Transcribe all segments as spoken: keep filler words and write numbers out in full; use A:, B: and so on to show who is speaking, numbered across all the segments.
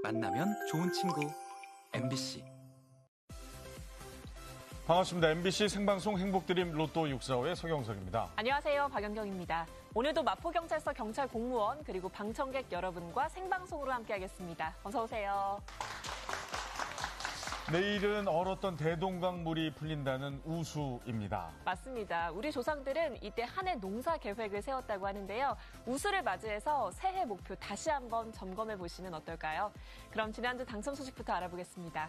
A: 만나면 좋은 친구 엠비씨.
B: 반갑습니다. 엠비씨 생방송 행복드림 로또 육사오의 서경석입니다.
C: 안녕하세요. 박연경입니다. 오늘도 마포경찰서 경찰 공무원 그리고 방청객 여러분과 생방송으로 함께하겠습니다. 어서 오세요.
B: 내일은 얼었던 대동강물이 풀린다는 우수입니다.
C: 맞습니다. 우리 조상들은 이때 한 해 농사 계획을 세웠다고 하는데요. 우수를 맞이해서 새해 목표 다시 한번 점검해 보시면 어떨까요? 그럼 지난주 당첨 소식부터 알아보겠습니다.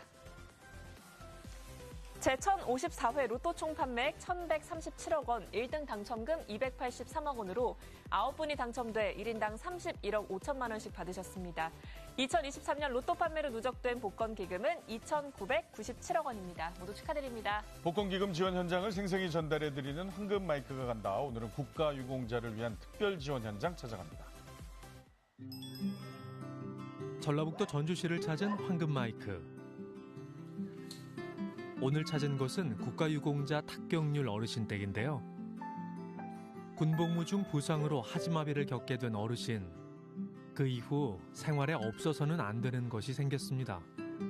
C: 제천오십사 회 로또 총 판매액 천백삼십칠억 원, 일 등 당첨금 이백팔십삼억 원으로 아홉 분이 당첨돼 일 인당 삼십일억 오천만 원씩 받으셨습니다. 이천이십삼 년 로또 판매로 누적된 복권 기금은 이천구백구십칠억 원입니다. 모두 축하드립니다.
B: 복권 기금 지원 현장을 생생히 전달해드리는 황금 마이크가 간다. 오늘은 국가유공자를 위한 특별 지원 현장 찾아갑니다.
D: 전라북도 전주시를 찾은 황금 마이크. 오늘 찾은 곳은 국가유공자 탁경률 어르신 댁인데요. 군복무 중 부상으로 하지마비를 겪게 된 어르신. 그 이후 생활에 없어서는 안 되는 것이 생겼습니다.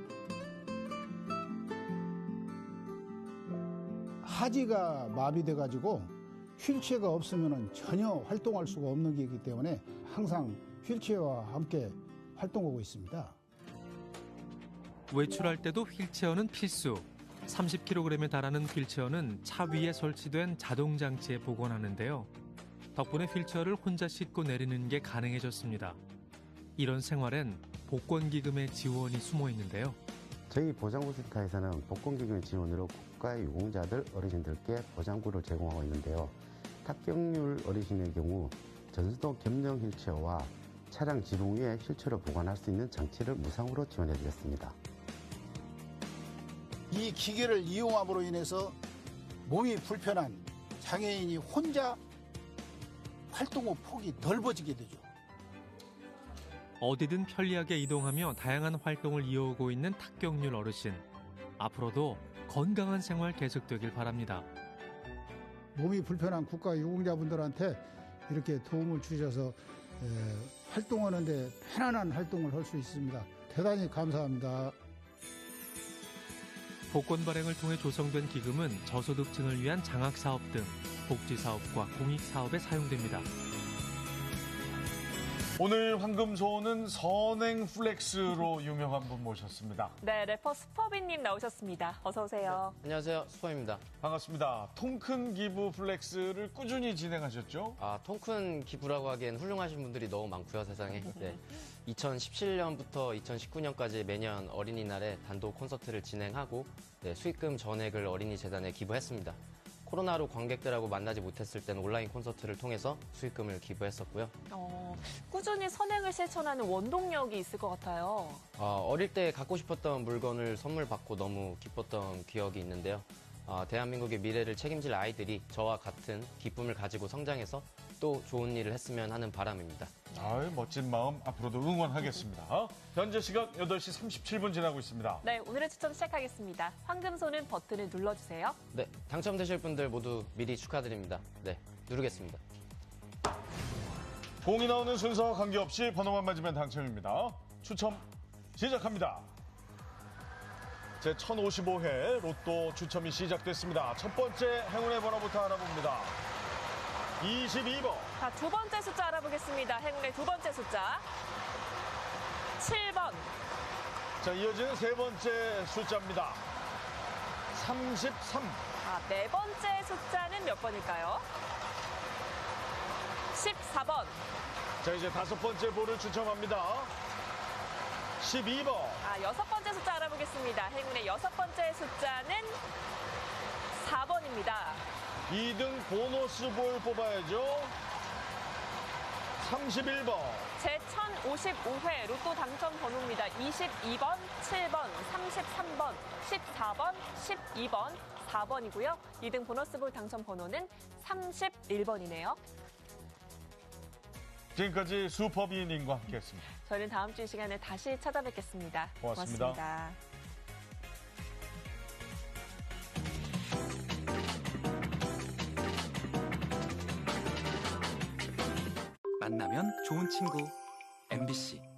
E: 하지가 마비돼가지고 휠체어가 없으면 전혀 활동할 수가 없는 게이기 때문에 항상 휠체어와 함께 활동하고 있습니다.
D: 외출할 때도 휠체어는 필수. 삼십 킬로그램에 달하는 휠체어는 차 위에 설치된 자동 장치에 복원하는데요. 덕분에 휠체어를 혼자 싣고 내리는 게 가능해졌습니다. 이런 생활엔 복권기금의 지원이 숨어 있는데요.
F: 저희 보장구센터에서는 복권기금 지원으로 국가유공자들 어르신들께 보장구를 제공하고 있는데요. 탁경률 어르신의 경우 전수도 겸용 휠체어와 차량 지붕 위에 휠체어를 보관할 수 있는 장치를 무상으로 지원해드렸습니다.
E: 이 기계를 이용함으로 인해서 몸이 불편한 장애인이 혼자 활동의 폭이 넓어지게 되죠.
D: 어디든 편리하게 이동하며 다양한 활동을 이어오고 있는 탁경률 어르신. 앞으로도 건강한 생활 계속되길 바랍니다.
E: 몸이 불편한 국가유공자분들한테 이렇게 도움을 주셔서 에, 활동하는 데 편안한 활동을 할 수 있습니다. 대단히 감사합니다.
D: 복권 발행을 통해 조성된 기금은 저소득층을 위한 장학사업 등 복지사업과 공익사업에 사용됩니다.
B: 오늘 황금소는 선행 플렉스로 유명한 분 모셨습니다.
C: 네, 래퍼 스퍼비님 나오셨습니다. 어서 오세요.
G: 네, 안녕하세요. 스퍼입니다.
B: 반갑습니다. 통큰 기부 플렉스를 꾸준히 진행하셨죠?
G: 아, 통큰 기부라고 하기엔 훌륭하신 분들이 너무 많고요, 세상에. 네. 이천십칠 년부터 이천십구 년까지 매년 어린이날에 단독 콘서트를 진행하고 네, 수익금 전액을 어린이 재단에 기부했습니다. 코로나로 관객들하고 만나지 못했을 때는 온라인 콘서트를 통해서 수익금을 기부했었고요.
C: 어, 꾸준히 선행을 실천하는 원동력이 있을 것 같아요.
G: 어, 어릴 때 갖고 싶었던 물건을 선물 받고 너무 기뻤던 기억이 있는데요. 어, 대한민국의 미래를 책임질 아이들이 저와 같은 기쁨을 가지고 성장해서 또 좋은 일을 했으면 하는 바람입니다.
B: 아유, 멋진 마음 앞으로도 응원하겠습니다. 현재 시각 여덟 시 삼십칠 분 지나고 있습니다.
C: 네, 오늘의 추첨 시작하겠습니다. 황금소는 버튼을 눌러주세요.
G: 네, 당첨되실 분들 모두 미리 축하드립니다. 네, 누르겠습니다.
B: 공이 나오는 순서와 관계없이 번호만 맞으면 당첨입니다. 추첨 시작합니다. 제천오십오 회 로또 추첨이 시작됐습니다. 첫 번째 행운의 번호부터 알아봅니다. 이십이 번.
C: 자, 두 번째 숫자 알아보겠습니다. 행운의 두 번째 숫자. 칠 번.
B: 자, 이어지는 세 번째 숫자입니다. 삼십삼.
C: 아, 네 번째 숫자는 몇 번일까요? 십사 번.
B: 자, 이제 다섯 번째 볼을 추첨합니다. 십이 번.
C: 아, 여섯 번째 숫자 알아보겠습니다. 행운의 여섯 번째 숫자는 사 번입니다.
B: 이 등 보너스 볼 뽑아야죠. 삼십일 번.
C: 제천오십오 회 로또 당첨 번호입니다. 이십이 번, 칠 번, 삼십삼 번, 십사 번, 십이 번, 사 번이고요. 이 등 보너스 볼 당첨 번호는 삼십일 번이네요.
B: 지금까지 슈퍼비님과 함께했습니다.
C: 저희는 다음 주 이 시간에 다시 찾아뵙겠습니다.
B: 고맙습니다.
C: 고맙습니다.
A: 만나면 좋은 친구 엠비씨.